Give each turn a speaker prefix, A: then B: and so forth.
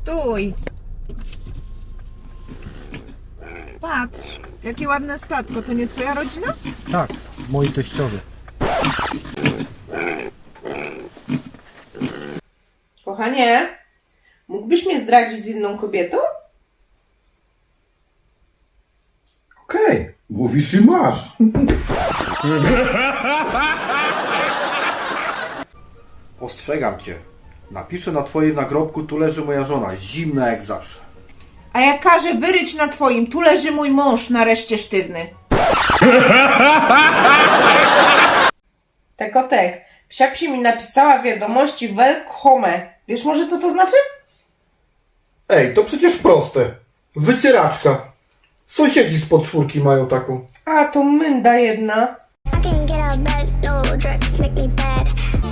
A: Stój! Patrz, jakie ładne statko. To nie twoja rodzina?
B: Tak, moi teściowie.
C: Kochanie, mógłbyś mnie zdradzić z inną kobietą?
D: Okej, mówisz i masz. Ostrzegam cię. Napiszę na twoim nagrobku, tu leży moja żona, zimna jak zawsze.
A: A ja każę wyryć na twoim. Tu leży mój mąż, nareszcie sztywny.
C: Tekotek, psiapsi mi napisała wiadomości welcome. Wiesz może co to znaczy?
D: Ej, to przecież proste. Wycieraczka. Sąsiedzi spod czwórki mają taką.
C: A, to mynda jedna.
E: I can get out of bed, no drugs make me bad.